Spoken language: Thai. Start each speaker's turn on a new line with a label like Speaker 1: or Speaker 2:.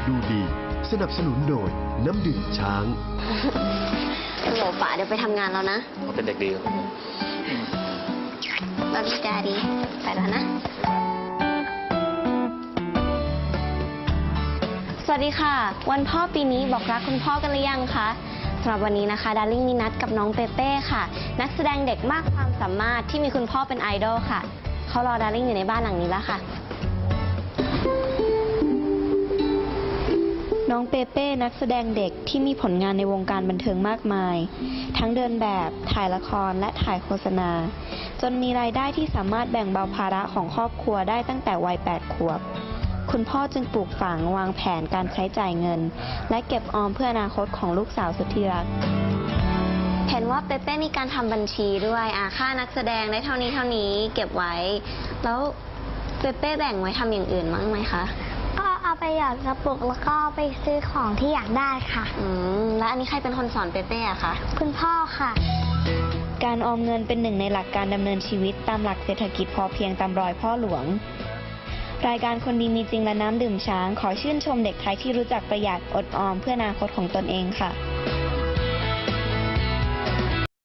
Speaker 1: ดูดีสนับสนุนโดยน้ำดื่มช้าง
Speaker 2: ฮัลโหลป๋าเดี๋ยวไปทำงานแล้วนะ
Speaker 3: เขาเป็นเด็กดี
Speaker 2: Love you daddy ไปแล้วนะ สวัสดีค่ะ วันพ่อปีนี้บอกรักคุณพ่อกันหรือยังคะสำหรับวันนี้นะคะดาริ่งมีนัดกับน้องเปเป้ค่ะนักแสดงเด็กมากความสามารถที่มีคุณพ่อเป็นไอดอลค่ะเขารอดาริ่งอยู่ในบ้านหลังนี้แล้วค่ะน้องเปเป้นักแสดงเด็กที่มีผลงานในวงการบันเทิงมากมายทั้งเดินแบบถ่ายละครและถ่ายโฆษณาจนมีรายได้ที่สามารถแบ่งเบาภาระของครอบครัวได้ตั้งแต่วัย 8 ขวบคุณพ่อจึงปลูกฝังวางแผนการใช้จ่ายเงินและเก็บออมเพื่ออนาคตของลูกสาวสุดที่รักเห็นว่าเปเป้มีการทำบัญชีด้วยค่านักแสดงได้เท่านี้เก็บไว้แล้วเปเป้แบ่งไว้ทำอย่างอื่นมั้งไหมคะ
Speaker 4: ก็เอาไปหยอดกระปุกแล้วก็ไปซื้อของที่อยากได้ค่ะ
Speaker 2: แล้วอันนี้ใครเป็นคนสอนเปเป้อะคะ
Speaker 4: คุณพ่อค่ะ
Speaker 2: การออมเงินเป็นหนึ่งในหลักการดำเนินชีวิตตามหลักเศรษฐกิจพอเพียงตามรอยพ่อหลวงรายการคนดีมีจริงและน้ำดื่มช้างขอชื่นชมเด็กไทยที่รู้จักประหยัดอดออมเพื่ออนาคตของตนเองค่ะ